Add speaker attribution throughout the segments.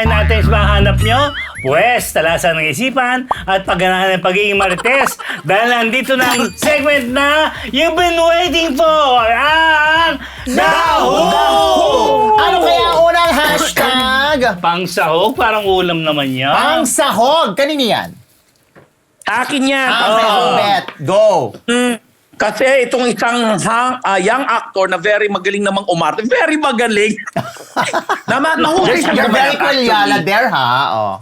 Speaker 1: bahay natin sa hanap nyo? Pwes, talasan ng isipan at pagganahan ng pagiging marites dahil nandito na ang segment na you've been waiting for, ang Daho!
Speaker 2: Ano kaya ang unang hashtag?
Speaker 1: Pangsahog, parang ulam naman yan.
Speaker 2: Pangsahog! Kanino yan?
Speaker 3: Akin yan.
Speaker 2: Bet. Go!
Speaker 3: Kasi itong isang young actor na very magaling namang umarte. Very magaling. Nahuli siya.
Speaker 2: You're very kulyala there, ha? Oh.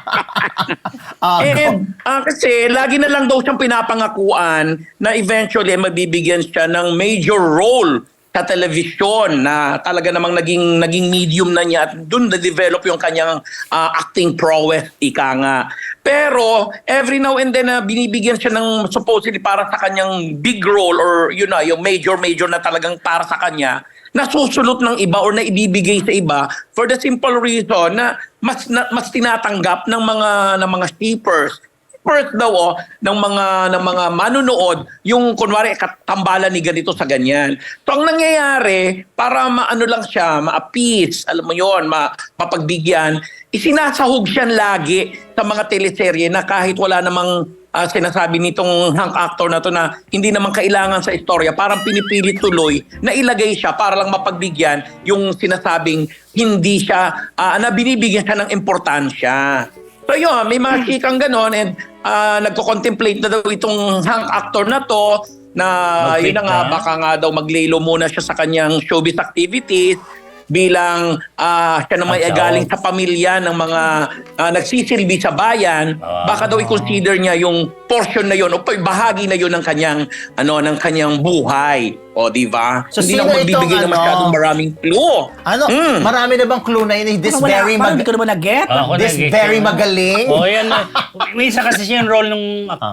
Speaker 3: Kasi lagi na lang daw siyang pinapangakuan na eventually mabibigyan siya ng major role sa telebisyon na talaga namang naging medium na niya at doon na-develop yung kanyang acting prowess, ika nga. Pero every now and then binibigyan siya ng supposedly para sa kanyang big role or yung major na talagang para sa kanya, nasusulot ng iba or na ibibigay sa iba for the simple reason na mas tinatanggap ng mga shippers. First daw ng mga manunood yung kunwari katambalan ni ganito sa ganyan. So ang nangyayari para maano lang siya, ma-appease, alam mo yon, mapagbigyan, isinasahog siya lagi sa mga teleserye na kahit wala namang sinasabi nitong hang actor na to na hindi naman kailangan sa istorya, parang pinipilit tuloy na ilagay siya para lang mapagbigyan yung sinasabing hindi siya, na binibigyan siya ng importansya. So yun, may mga chikang ganon and nagko-contemplate na daw itong hang actor na to na yun na nga, baka nga daw maglelo muna siya sa kanyang showbiz activities bilang siya naman galing sa pamilya ng mga nagsisilbi sa bayan, baka daw i-consider niya yung portion na yun o bahagi na yun ng kanyang buhay. O, di ba?
Speaker 2: So,
Speaker 3: hindi na magbibigay na masyadong maraming clue.
Speaker 2: Marami na bang clue na yun? This very
Speaker 4: hindi ko naman nag-get.
Speaker 2: This very magaling?
Speaker 1: Yan. Minsan kasi siya yung role nung,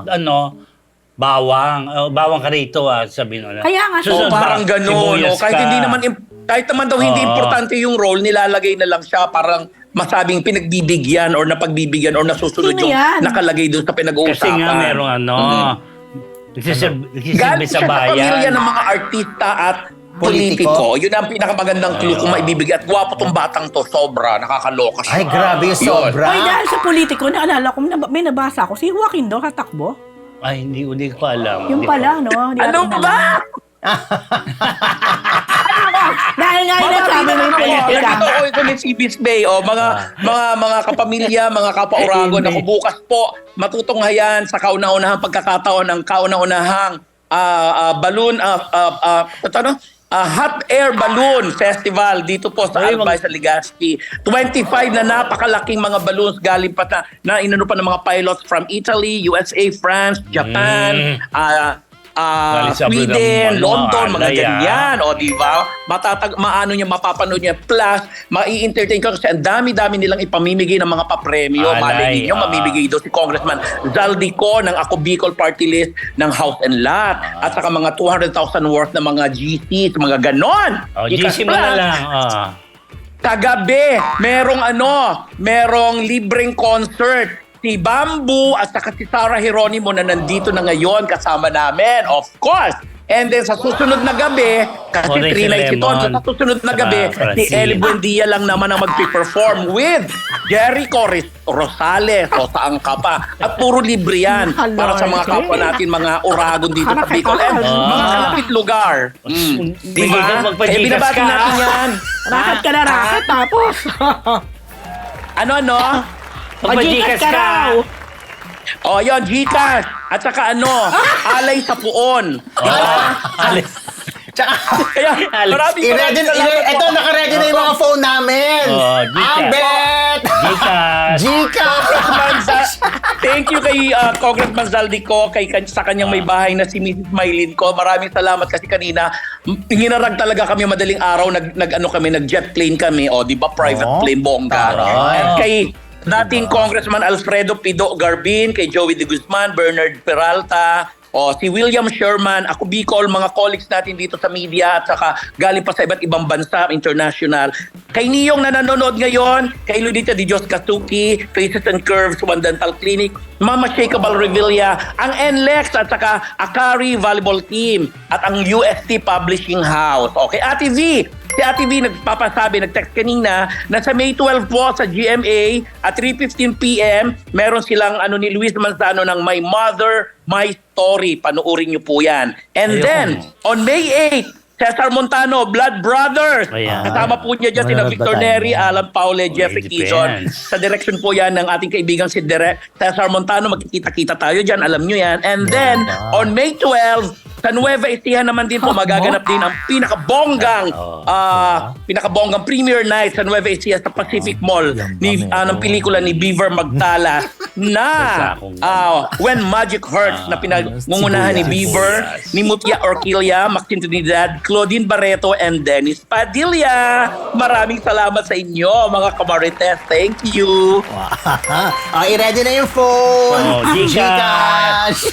Speaker 1: bawang ka rito, sabihin mo na.
Speaker 4: Kaya nga,
Speaker 3: Parang gano'n. Kahit naman daw hindi importante yung role, nilalagay na lang siya parang masabing pinagbibigyan or napagbibigyan or nasusunod yung nakalagay doon sa pinag-uusapan.
Speaker 1: Kasi nga merong nagsisilbi
Speaker 3: Galing
Speaker 1: sa
Speaker 3: siya sa
Speaker 1: bayan.
Speaker 3: pamilya ng mga artista at politiko. Yun ang pinakamagandang clue kung maibibigay. At gwapo tong batang to, sobra. Nakakaloka siya.
Speaker 2: Ay, grabe yung sobra.
Speaker 4: Ay, dahil sa politiko, naalala ko, may nabasa ako, si Joaquin daw katakbo.
Speaker 1: Ay, hindi ko alam.
Speaker 4: Yung pala, no?
Speaker 3: Ano ba?
Speaker 4: Dahil nga yun sabi mo yung politika.
Speaker 3: Ito ni si Bisbay, mga kapamilya, mga kapwa-Uragon, ako bukas po matutunghayan sa kauna-unahang pagkakataon ng kauna-unahang balloon, hot air balloon festival dito po sa Albay sa Legazpi. 25 na napakalaking mga balloons galing pa na inano pa ng mga pilots from Italy, USA, France, Japan, Sweden, London, mga ganyan. O, di ba? Mapapanood niya. Plus, mai-entertain ka kasi ang dami-dami nilang ipamimigay ng mga papremyo. Malay ninyo, mamimigay daw si Congressman Zaldico ng Ako Bicol Party List ng House and Lot. At saka mga 200,000 worth na mga GCs, mga ganon.
Speaker 1: GC mo na lang.
Speaker 3: Kagabi, merong libreng concert. Si Bamboo at saka si Sarah Geronimo na nandito na ngayon kasama namin, of course. And then sa susunod na gabi, kasi 3 nights ito, sa susunod na gabi, si Ellie Buendia lang naman ang mag-perform with Jericho Rosales o saan ka pa. At puro libre yan para sa mga kapwa natin, mga Uragon dito sa Bicol and mga kalapit lugar. Di ba? Binabati natin yan.
Speaker 4: Rakat ka na rakat, tapos.
Speaker 3: Ano?
Speaker 4: Mag-Gcash ka raw.
Speaker 3: O, yun, Gcash. At saka alay sa puon.
Speaker 1: Alis.
Speaker 3: Kaya, maraming
Speaker 2: Ito, nakaready na yung mga phone namin. Ambet! Gcash!
Speaker 3: Thank you kay Congressman Zaldico, sa kanyang may bahay na si Mrs. Maylin ko. Maraming salamat kasi kanina, hinarag talaga kami madaling araw, nag-jet plane kami. O, di ba, private plane, bongga. At kay dating Congressman Alfredo Pido Garbin, kay Joey De Guzman, Bernard Peralta, si William Sherman, Ako Bicol, mga colleagues natin dito sa media at saka galing pa sa iba't ibang bansa, international. Kay Niyong na nanonood ngayon, kay Ludita Di Diyos Kasuki, Faces and Curves, One Dental Clinic, Mama Shakeable Revilla, ang NLEX at saka Akari Volleyball Team at ang UST Publishing House. Okay, Ate V, Si Ate V nagpapasabi, nag-text kanina na sa May 12 po sa GMA at 3:15 PM, meron silang ni Luis Manzano ng My Mother, My Story. Panoorin niyo po yan. And
Speaker 1: Ayoko.
Speaker 3: then, on May 8, Cesar Montano, Blood Brothers.
Speaker 1: Ayan.
Speaker 3: Kasama po niya dyan sina
Speaker 2: Manonood ba
Speaker 3: Victor
Speaker 2: tayo?
Speaker 3: Neri, Alan Paule, Jeffrey
Speaker 1: depends.
Speaker 3: Quezon. Sa direction po yan ng ating kaibigang si Cesar Montano. Magkikita-kita tayo dyan, alam nyo yan. And then, on May 12, sa Nueva Ecija naman din po magaganap din ang pinakabonggang premiere night sa Nueva Ecija sa Pacific Mall ng pelikula ni Beaver Magdala na When Magic Hurts na pinangungunahan ni Beaver, ni Mutia Orquilla, Maxine Trinidad, Claudine Barreto, and Dennis Padilla. Maraming salamat sa inyo, mga kamarites. Thank you.
Speaker 2: I-ready na yung phone.
Speaker 1: Gcash.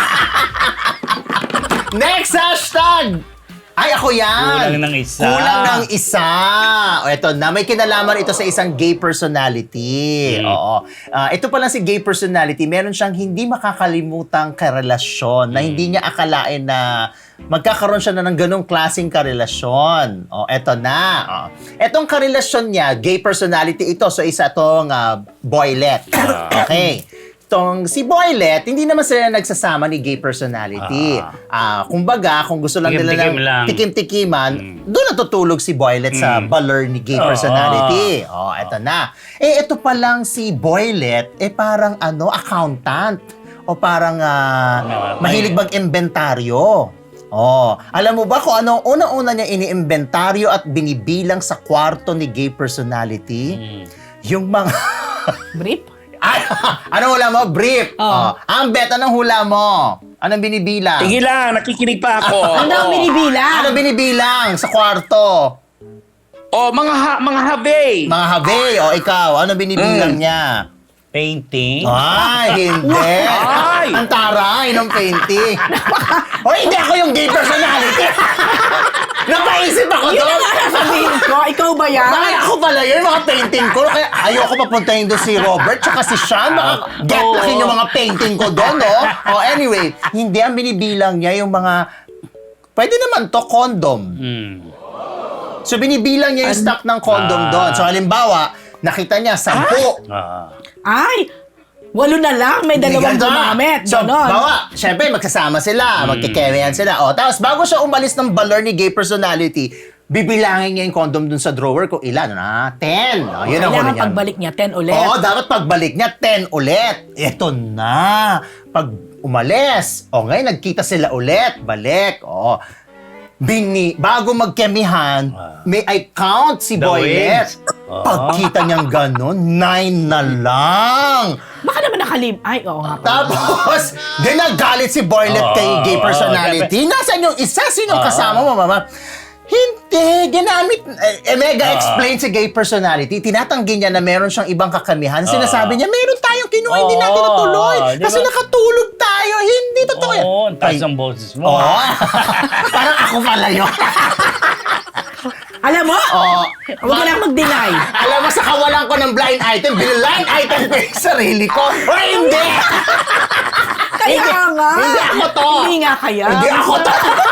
Speaker 2: Next hashtag! Ay, ako yan!
Speaker 1: Kulang ng isa.
Speaker 2: Kulang ng isa. O, eto na. May kinalaman ito sa isang gay personality. Oo. Ito pala si gay personality. Meron siyang hindi makakalimutang karelasyon na hindi niya akalain na magkakaroon siya na ng ganong klaseng karelasyon. O, eto na. O. Etong karelasyon niya, gay personality ito. So, isa itong boylet. Okay. Si Boylet, hindi naman sila nagsasama ni gay personality. Kumbaga, kung gusto lang nila
Speaker 1: Tikim-tikim lang.
Speaker 2: ng tikim-tikiman, doon natutulog si Boylet sa baler ni gay personality. Eto na. Ito pa lang si Boylet, parang accountant. O parang mahilig mag-inventaryo. Alam mo ba kung ano unang-una niya iniimbentaryo at binibilang sa kwarto ni gay personality? Yung mga...
Speaker 4: Brief?
Speaker 2: Ay, anong hula mo? Brief. Ang beta ng hula mo. Anong binibilang?
Speaker 3: Sige lang, nakikinig pa ako.
Speaker 4: Ano ang binibilang?
Speaker 2: Ano binibilang sa kwarto?
Speaker 3: Mga habe.
Speaker 2: Mga habe. Ikaw, ano binibilang niya?
Speaker 1: Painting.
Speaker 2: Ay, hindi.
Speaker 3: Ay!
Speaker 2: Ang taray ng painting. Hindi ako yung gay personality. Napaisip ako
Speaker 4: Yun
Speaker 2: doon.
Speaker 4: ang sasabihin ko. Ikaw ba yan?
Speaker 2: Bakit ako pala yun, mga painting ko? Kaya ayoko papuntahin doon si Robert tsaka si Sean. Baka get laki yung mga painting ko doon, no? Anyway, hindi ang binibilang niya yung mga... Pwede naman to, condom. So, binibilang niya yung stock ng condom doon. So, halimbawa, nakita niya 10.
Speaker 4: Ay! 8 na lang. May 2 gumamit.
Speaker 2: So,
Speaker 4: Ganon.
Speaker 2: bawa, syempre, magsasama sila, magkikemihan sila. Tapos, bago siya umalis ng baler ni gay personality, bibilangin niya yung condom dun sa drawer kung ilan, 10. Yun ang huli
Speaker 4: Kailangan
Speaker 2: niya.
Speaker 4: pagbalik niya, 10 ulit.
Speaker 2: Dapat pagbalik niya, 10 ulit. Ito na. Pag umalis, ngayon, nagkita sila ulit. Balik. Bago magkemihan, may I count si
Speaker 1: The
Speaker 2: Boylet.
Speaker 1: wins.
Speaker 2: Pagkita niyang ganon, 9 na lang.
Speaker 4: Baka naman Ay, oo nga.
Speaker 2: Tapos, ginagalit si Boylet kay gay personality. Nasaan yung isa? Sinong kasama mo, mama? Hindi, ginamit, mega explain si gay personality. Tinatanggi niya na meron siyang ibang kakamihan. Sinasabi niya, meron tayong kinuha, hindi natin natuloy.
Speaker 1: Di
Speaker 2: Kasi
Speaker 1: ba?
Speaker 2: nakatulog tayo. Hindi totoo yan.
Speaker 1: Ang taas ang boses mo.
Speaker 2: Parang ako pala yun.
Speaker 4: Alam mo? Huwag ka lang mag-deny.
Speaker 2: Alam mo, sa kawalan ko ng blind item, blind item ko yung sarili ko. Hindi!
Speaker 4: Kaya nga.
Speaker 2: Hindi ako to.
Speaker 4: Hindi nga kaya.
Speaker 2: Hindi ako to.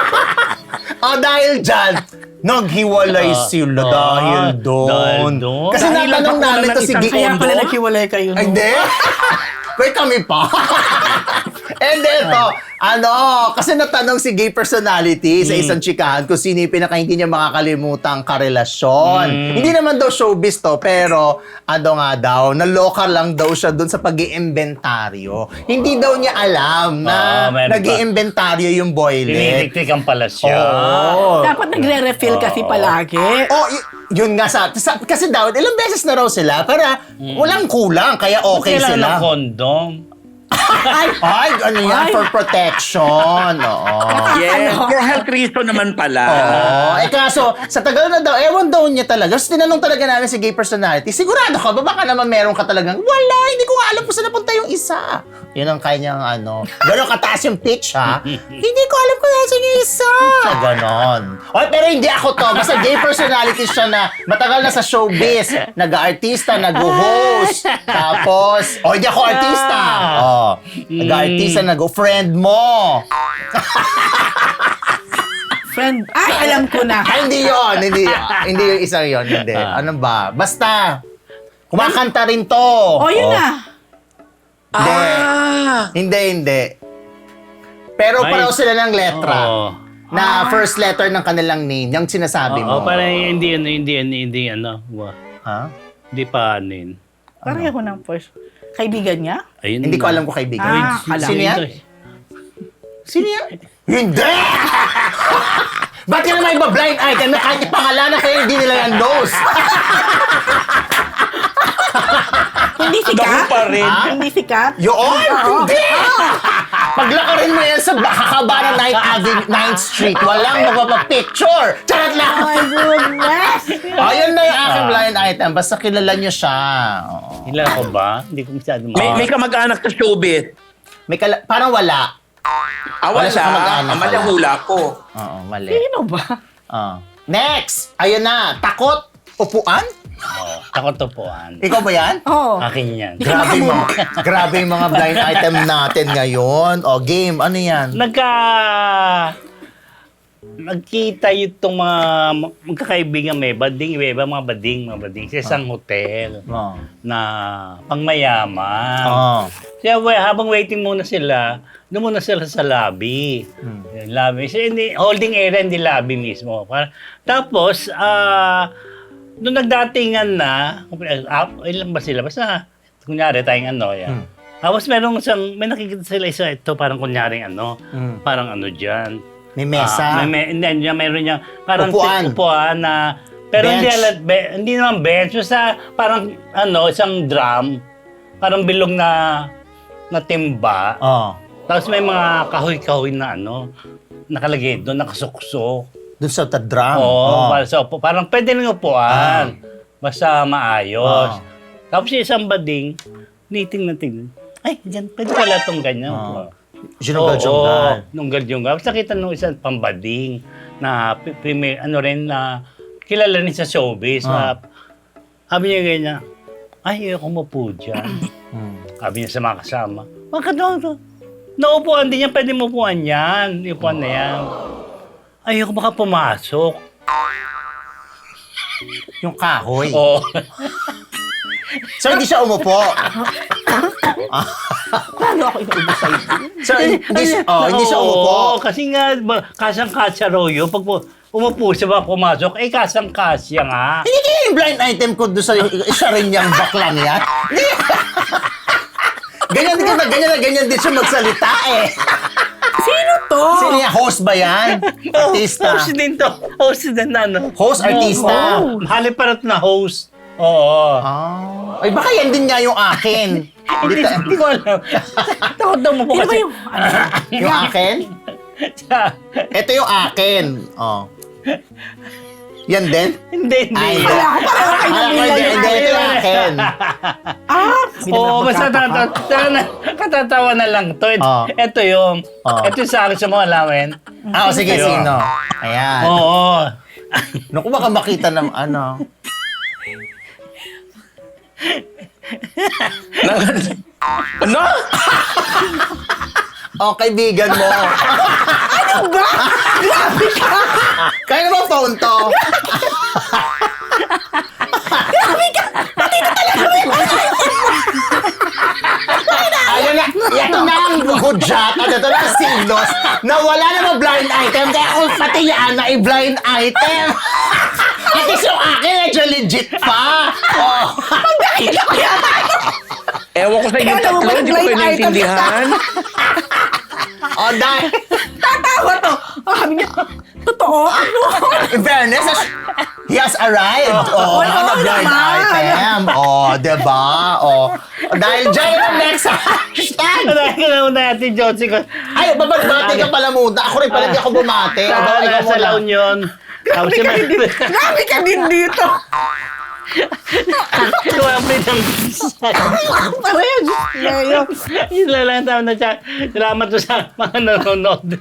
Speaker 2: Dahil dyan, naghiwalay sila dahil doon. Kasi
Speaker 3: Dahil lang
Speaker 2: natanong
Speaker 3: ako
Speaker 2: namin
Speaker 3: ng
Speaker 2: to si
Speaker 3: isang
Speaker 2: Gay.
Speaker 4: Kaya pala naghiwalay kayo. No?
Speaker 2: Hindi. Wait, kami pa. And then, kasi natanong si gay personality sa isang chikahan kung sino yung pinaka hindi niya makakalimutang karelasyon. Hindi naman daw showbiz to, pero naloka lang daw siya dun sa pag-iimbentaryo. Hindi daw niya alam na nag-iimbentaryo yung Boylet.
Speaker 1: Tinitik-tikan pala siya.
Speaker 4: Dapat nagre-refill kasi palagi.
Speaker 2: Yun nga kasi daw, ilang beses na raw sila para walang kulang, kaya okay
Speaker 1: Kailangan
Speaker 2: sila.
Speaker 1: ng kondom.
Speaker 2: Ay, ano yan? For protection.
Speaker 3: Yes, for health reason naman pala.
Speaker 2: Kaso, sa tagal na daw, ewan daw niya talaga. So, tinanong talaga namin si gay personality, sigurado ka ba? Baka naman meron ka talagang, wala, hindi ko nga alam kung saan napunta yung isa. Yun ang kanyang gano'n kataas yung pitch, ha? Hindi ko alam kung saan yung isa. Ganon. Pero hindi ako to. Basta gay personality siya na matagal na sa showbiz. Nag-artista, nag-host. Tapos, hindi ako artista. Nag-artista, nag-friend mo.
Speaker 4: Friend. Ay, alam ko na.
Speaker 2: Ay, hindi yun. Hindi yung isang yun. Hindi. Ano ba? Basta, kumakanta rin to.
Speaker 4: Oh, yun na.
Speaker 2: Hindi. Pero
Speaker 1: Ay.
Speaker 2: pareho sila ng letra.
Speaker 1: Oo.
Speaker 2: Na first letter ng kanilang name. Yung sinasabi mo.
Speaker 1: Oo, parang hindi ano.
Speaker 2: Ha?
Speaker 1: Hindi pa ano yun.
Speaker 4: Pareho ng first. Kaibigan niya?
Speaker 1: Ayun
Speaker 2: Hindi ko
Speaker 1: na.
Speaker 2: alam kung kaibigan.
Speaker 4: Ah, alam.
Speaker 2: Sino yan?
Speaker 1: Ito eh.
Speaker 2: Sino yan? Hindi! Ba't ka naman iba blind item na kahit ipangalanan kayo, hindi nila yan knows?
Speaker 4: Hindi sikat?
Speaker 3: Naku pa rin.
Speaker 2: Ha?
Speaker 4: Hindi sikat?
Speaker 2: Yun! Hindi! Paglakarin mo yan sa kakaba ng 9th Street, walang magpapapicture! Charot lang!
Speaker 4: Oh my goodness!
Speaker 2: Ayun na yung aking blind item. Basta kilala nyo siya. Oo.
Speaker 1: Kilala ko ba? Hindi ko masyado
Speaker 3: May kamag-anak sa showbiz.
Speaker 2: Parang wala.
Speaker 3: Wala
Speaker 2: siya kamag-anak.
Speaker 3: Mali hula ko.
Speaker 2: Oo, mali.
Speaker 4: Sino ba?
Speaker 2: Next! Ayun na. Takot? Upuan?
Speaker 1: Takot upuan.
Speaker 2: Ikaw ba yan?
Speaker 4: Oo.
Speaker 1: Akin yan.
Speaker 2: Grabe yung mga blind item natin ngayon. O, game. Ano yan?
Speaker 1: Nagkita itong mga magkakaibigan may bading, mga bading sa isang hotel
Speaker 2: Oh.
Speaker 1: na pangmayaman.
Speaker 2: Oh.
Speaker 1: Kaya habang waiting muna sila, doon muna sila sa lobby. Yung lobby. So, holding area, hindi lobby mismo. Tapos, nung nagdatingan na, ilan ba sila? Basta, kunyari tayong ano, yan. Tapos may nakikita sila ito, parang kunyaring parang dyan.
Speaker 2: May mesa.
Speaker 1: Meron niya, parang
Speaker 2: Upuan.
Speaker 1: na, pero
Speaker 2: Bench.
Speaker 1: hindi naman bench, basta parang isang drum, parang bilog na timba.
Speaker 2: Oh.
Speaker 1: Tapos may mga kahoy-kahoy na nakalagay doon, nakasuksok.
Speaker 2: Doon sa drum.
Speaker 1: Oo, parang pwede nang upuan. Basta maayos. Tapos yung isang bading, niting. Ay, dyan, pwede pala itong ganyan.
Speaker 2: Jungal-jungal.
Speaker 1: Nunggal-jungal. Tapos nakita nung isang pambading na na kilala rin sa showbiz. Sabi niya ganyan, ay, ayoko mapo dyan. Sabi niya sa mga kasama, bakit naupuan din yan, pwede mo upuan yan. Upuan na yan. Ayoko baka pumasok.
Speaker 2: Yung kahoy.
Speaker 1: Oo.
Speaker 2: So, hindi siya umupo.
Speaker 4: Paano ako inuubo sa'yo?
Speaker 2: So, hindi siya umupo.
Speaker 1: Oo, kasi nga, kasang-kasya raw yun. Pag umupo siya ba pumasok, kasang-kasya nga.
Speaker 2: Hindi kaya yung blind item ko doon sa isa rin niyang baklang yan. Ganyan din siya magsalita eh.
Speaker 4: Sino to?
Speaker 2: Sino yan? Host ba yan? Artista?
Speaker 1: Host din to. Host din na
Speaker 2: Host, artista?
Speaker 1: Haliparat na host. Oo.
Speaker 2: Ay, baka yan din nga yung akin.
Speaker 1: Hindi ko alam. Takot daw mo po
Speaker 4: Sino ba
Speaker 1: kasi.
Speaker 4: yung...
Speaker 2: Yung akin? Ito yung akin. Yan din?
Speaker 1: Hindi.
Speaker 2: Ay,
Speaker 1: Hindi.
Speaker 4: Wala ako, pareho kayo ng
Speaker 2: Hindi, ito yung akin.
Speaker 1: Oo, basta katatawa na lang to. Ito yung sa akin sa mga alamin.
Speaker 2: Sige, sino? Ayan.
Speaker 1: Oo.
Speaker 2: Naku, baka makita ng ano.
Speaker 3: Ano?
Speaker 2: Kaibigan mo.
Speaker 4: Ano ba? Grabe ka!
Speaker 2: Kaya ba phone to?
Speaker 4: Grabe ka! Pati na talaga may
Speaker 2: Ayun na, ito na ang hudyat at ito na ang signos na wala namang blind item kaya kung pati yan na i-blind item. At least yung akin medyo legit pa.
Speaker 4: Magdakila ko yan!
Speaker 3: Ewan ko sa inyo
Speaker 4: Ikaw
Speaker 3: tatlo,
Speaker 4: naman,
Speaker 3: hindi ko
Speaker 4: blind
Speaker 3: kayo
Speaker 4: item
Speaker 3: naintindihan.
Speaker 2: Dahil,
Speaker 4: Tatawa to! Sabi niya, totoo? Ano?
Speaker 2: in fairness, he has arrived. Na blind
Speaker 4: naman.
Speaker 2: item. Diba? Dahil dyan ang next hashtag.
Speaker 1: Dahil na una natin, Josie ko.
Speaker 2: Ay, babagbate ka pala muna. Ako rin pala di ako bumate. Ikaw
Speaker 1: Sa
Speaker 2: muna.
Speaker 1: La Union.
Speaker 4: Grabe ka din dito!
Speaker 1: Kumapit ang
Speaker 4: Para yun, Leo.
Speaker 1: Yun lang tao na siya. Salamat to sa mga nanonood.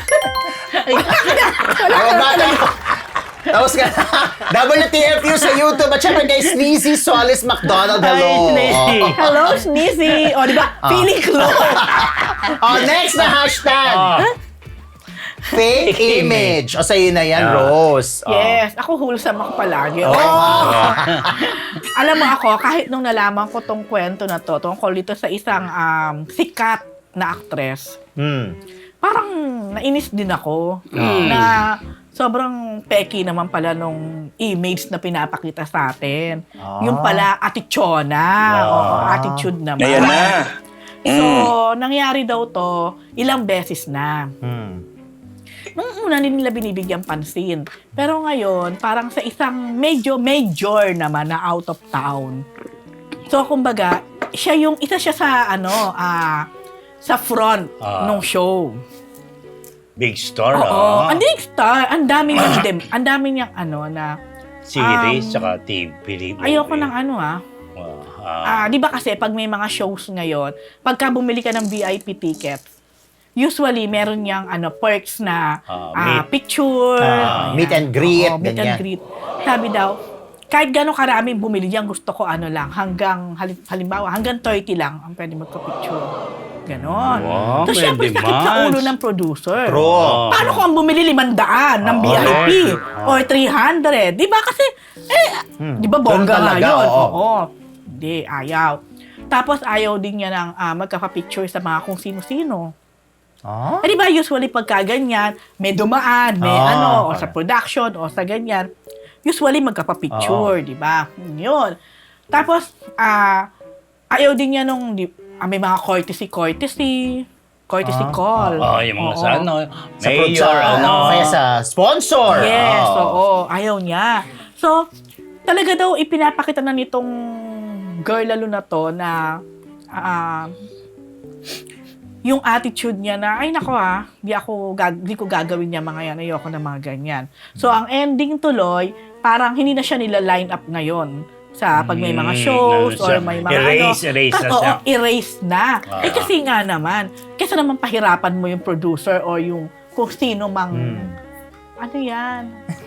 Speaker 2: Babagbate ako. Tapos ka WTFU sa YouTube at syempre kay Sneezy Solis McDonald. Hello.
Speaker 1: Hi, Sneezy.
Speaker 4: Hello, Sneezy. O, di ba? Feeling close.
Speaker 2: Next na hashtag. Fake image. O sa'yo na yan, Rose.
Speaker 4: Yes, ako wholesome ako palagi. Alam mo ako, kahit nung nalaman ko tong kwento na to, tungkol dito sa isang sikat na actress, parang nainis din ako na sobrang peki naman pala nung image na pinapakita sa atin. Yung pala atichona, attitude naman.
Speaker 3: Ayan na.
Speaker 4: So, nangyari daw to ilang beses na. Nung una nila binibigyan pansin. Pero ngayon, parang sa isang major naman na out of town. So, kumbaga, isa siya sa sa front nung show.
Speaker 1: Big star,
Speaker 4: Oo, ang big star. Ang dami niyang na
Speaker 1: series, tsaka TV.
Speaker 4: ayoko ng di ba kasi pag may mga shows ngayon, pagka bumili ka ng VIP tickets, usually meron niyang perks na picture,
Speaker 2: meet and greet,
Speaker 4: meet and
Speaker 2: ganyan.
Speaker 4: greet. Sabi daw, kahit gano'ng karaming bumili diyan, gusto ko lang, hanggang halimbawa, hanggang 30 lang ang pwede magka-picture. Ganon.
Speaker 1: Wow,
Speaker 4: So, syempre,
Speaker 1: pwede
Speaker 4: sakit sa
Speaker 1: mas.
Speaker 4: ulo ng producer.
Speaker 2: True.
Speaker 4: Paano kung ang bumili 500 ng VIP or 300? Di ba? Kasi, di ba bongga
Speaker 2: Ganun
Speaker 4: nga
Speaker 2: talaga,
Speaker 4: yun?
Speaker 2: oo.
Speaker 4: Oo. Hindi, ayaw. Tapos, ayaw din niya ng magkapa-picture sa mga kung sino-sino. Eh, di ba, usually pagka ganyan, may dumaan, may o sa production, o sa ganyan, usually magkapa-picture, di ba? Yun. Tapos, ayaw din niya nung, may mga courtesy call.
Speaker 1: Yung mga sa
Speaker 2: Sa
Speaker 1: mayor,
Speaker 2: kaya sa sponsor.
Speaker 4: Yes, oo. Ayaw niya. So, talaga daw ipinapakita na nitong girl lalo na to na yung attitude niya na, ay nako di ko gagawin niya mga yan, ayoko na mga ganyan. So, ang ending tuloy, parang hindi na siya nila-line up ngayon sa pag may mga shows or may mga
Speaker 1: erase na siya.
Speaker 4: Erase na. Kasi nga naman, kesa naman pahirapan mo yung producer or yung kung sino mang ano yan?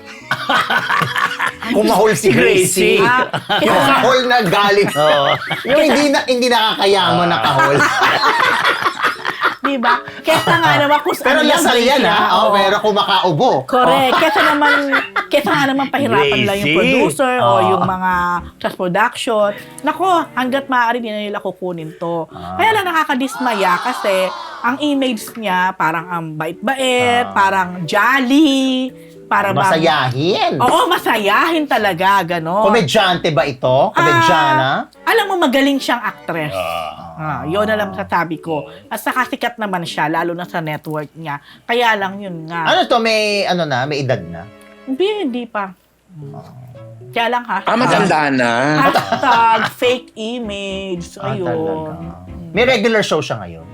Speaker 2: Kumahol si Gracie. Yung kahol na galing. Yung hindi nakakayamo na kahol.
Speaker 4: Diba? Kesa nga naman kung
Speaker 2: Pero
Speaker 4: ano
Speaker 2: lasal yan, pero kumakaubo.
Speaker 4: Correct. Kesa nga naman pahirapan lang yung producer o yung mga sa production. Nako, hanggat maaari din na nila kukunin to. Kaya lang nakakadismaya kasi ang image niya parang ang bait-bait, parang jolly, para
Speaker 2: Masayahin.
Speaker 4: Oo, masayahin talaga, gano'n.
Speaker 2: Komedyante ba ito? Komedyana?
Speaker 4: Alam mo, magaling siyang actress. Yun na lang sasabi ko. At saka sikat naman siya, lalo na sa network niya. Kaya lang yun nga.
Speaker 2: Ano to? May edad na?
Speaker 4: Hindi pa. Kaya lang
Speaker 3: Matanda na.
Speaker 4: hashtag fake image. Ayun.
Speaker 2: Talaga. May regular show siya ngayon?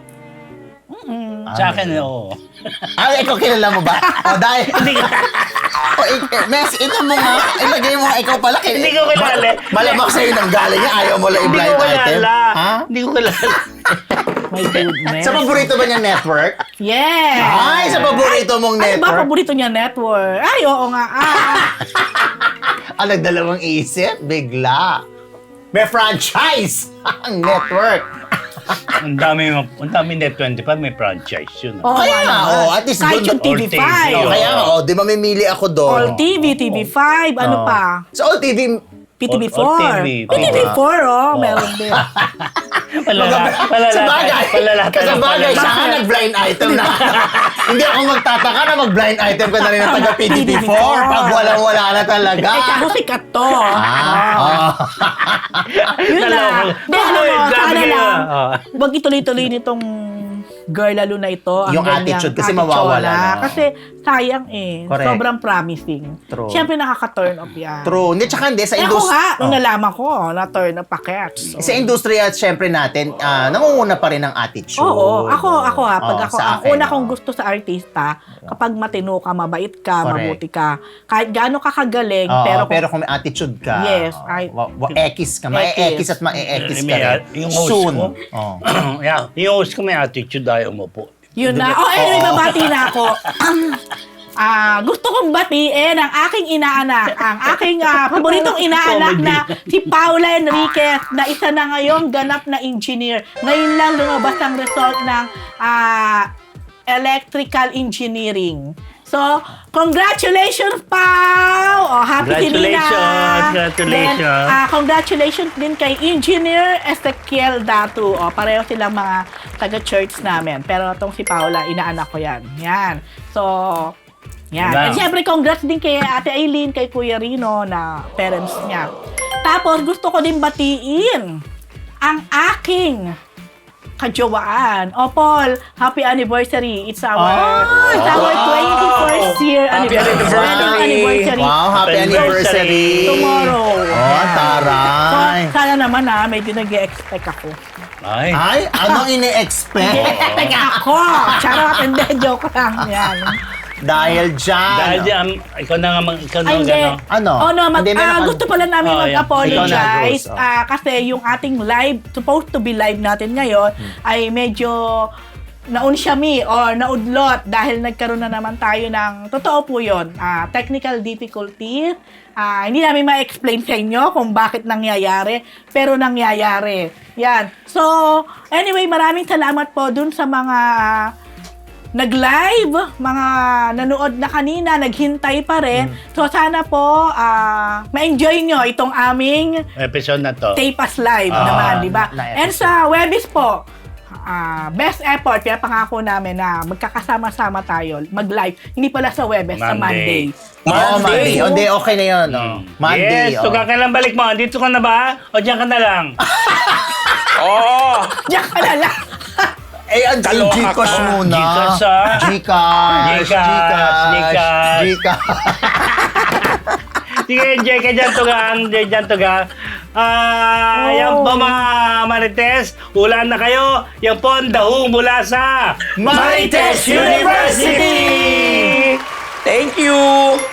Speaker 1: Sa akin, oo.
Speaker 2: Ikaw kilala mo ba? Dahil... Mes, ito mo nga. Ilagay mo nga, ikaw pala.
Speaker 1: Hindi ko kilala.
Speaker 2: Malamang sa'yo nang galing niya. Ayaw mo lang
Speaker 1: Hindi
Speaker 2: i-blind
Speaker 1: ko
Speaker 2: item.
Speaker 1: kilala.
Speaker 2: Ha?
Speaker 1: Hindi ko kilala.
Speaker 4: My goodness.
Speaker 2: Sa paborito ba niyang network?
Speaker 4: Yes!
Speaker 2: Ay, sa paborito mong
Speaker 4: Ano ba
Speaker 2: network?
Speaker 4: paborito niya network? Ay, oo nga.
Speaker 2: Nagdalawang isip? Bigla. May franchise ang network.
Speaker 1: Ang dami Net 25, may franchise yun.
Speaker 4: Oo,
Speaker 2: Kaya nga, at least
Speaker 4: kahit
Speaker 2: doon.
Speaker 4: yung TV5.
Speaker 2: Kaya nga, di mamimili ako doon.
Speaker 4: All TV, TV5, ano pa?
Speaker 2: Sa All TV,
Speaker 4: PTV4.
Speaker 1: All TV.
Speaker 4: PTV4, meron din.
Speaker 2: sa bagay, siya ka nag-blind item na. Hindi ako magtataka na mag-blind item ka na rin ng taga PTV4 pag walang-wala na talaga.
Speaker 4: Kaso sikat to. Yun
Speaker 1: Dalawa.
Speaker 4: lang. Hindi, alam mo,
Speaker 1: Sabi
Speaker 4: sana
Speaker 1: ko,
Speaker 4: lang. Huwag ituloy-tuloy nitong girl lalo na ito. Ang
Speaker 2: Yung
Speaker 4: ganyang
Speaker 2: attitude kasi mawawala na.
Speaker 4: Kasi sayang
Speaker 2: Correct.
Speaker 4: Sobrang promising.
Speaker 2: True.
Speaker 4: Siyempre nakaka-turn off yan.
Speaker 2: True. Hindi, tsaka hindi. Sa
Speaker 4: Eh ako
Speaker 2: industry.
Speaker 4: nga, nung nalaman ko, na-turn off packets.
Speaker 2: Sa industriya, syempre natin, nangunguna pa rin ang attitude.
Speaker 4: Oo, ako pag ako,
Speaker 2: sa
Speaker 4: ang
Speaker 2: akin,
Speaker 4: una kong gusto sa artista, kapag matino ka, mabait ka,
Speaker 2: Correct.
Speaker 4: mabuti ka, kahit gaano ka kagaling,
Speaker 2: pero kung may attitude ka,
Speaker 4: Yes,
Speaker 2: ekis ka, mae-ekis at mae-ekis ka rin.
Speaker 1: Yung host
Speaker 2: Soon.
Speaker 1: ko, yung host ko may attitude ayaw mo po.
Speaker 4: yun na. Anyway, babati na ako. Gusto kong batiin ang aking inaanak, ang aking paboritong inaanak na si Paula Enriquez, na isa na ngayong ganap na engineer. Ngayon lang lumabas ang result ng Electrical Engineering. So, congratulations, Pao! Oh, happy
Speaker 1: Congratulations!
Speaker 4: Then, congratulations din kay Engineer Ezekiel Datu. Oh, pareho silang mga taga-church namin. Pero itong si Paula, inaanak ko yan. Yan. So, yan.
Speaker 1: Wow.
Speaker 4: At syempre, congrats din kay Ate Aileen, kay Kuya Rino na parents niya. Tapos, gusto ko din batiin ang aking kajowaan. O Paul, happy anniversary. It's our 21st year
Speaker 3: Happy
Speaker 4: anniversary.
Speaker 2: Wow, happy anniversary.
Speaker 4: Tomorrow.
Speaker 2: Oh, taray.
Speaker 4: So, sana naman medyo nag-expect ako.
Speaker 1: Ay.
Speaker 2: Ay, anong ini-expect?
Speaker 4: Nag-expect ako! Charot, hindi, joke lang. Yan.
Speaker 2: Dahil dyan.
Speaker 1: Dahil dyan, ikaw na nga, ikaw na
Speaker 4: Ay, hindi.
Speaker 1: gano'n.
Speaker 2: Ano?
Speaker 4: Oh, no,
Speaker 2: Hindi, meron ka-
Speaker 4: gusto pala namin
Speaker 1: Oh, yeah.
Speaker 4: mag-apologize
Speaker 2: Ikaw na, Rose. Oh.
Speaker 4: kasi yung ating live, supposed to be live natin ngayon, ay medyo naunsyami or naudlot dahil nagkaroon na naman tayo ng, totoo po yun, technical difficulties. Hindi namin ma-explain sa inyo kung bakit nangyayari, pero nangyayari. Yan. So, anyway, maraming salamat po dun sa mga nag-live, mga nanood na kanina, naghintay pa rin. So, sana po ma-enjoy nyo itong aming
Speaker 1: Episode na to.
Speaker 4: Tape Us Live naman, di ba?
Speaker 2: na
Speaker 4: And sa Webis po, best effort, kaya pangako namin na magkakasama-sama tayo, mag-live. Hindi pala sa Webis, sa Monday.
Speaker 2: Oh, Monday. Hindi, okay na yun. Oh. Monday.
Speaker 1: Yes, so kailan balik mo? Dito ka na ba? O diyan ka na lang?
Speaker 3: Oo!
Speaker 4: Diyan ka na lang.
Speaker 2: Eh, ang
Speaker 3: Kaloka
Speaker 2: Gcash
Speaker 3: ka.
Speaker 2: muna.
Speaker 1: Gcash, ah.
Speaker 2: Gcash.
Speaker 1: Sige, enjoy ka dyan, Tugang. Enjoy dyan, Tugang. Yan po mga Marites, ulan na kayo. Yan po ang dahong mula sa
Speaker 2: Marites University!
Speaker 3: Thank you!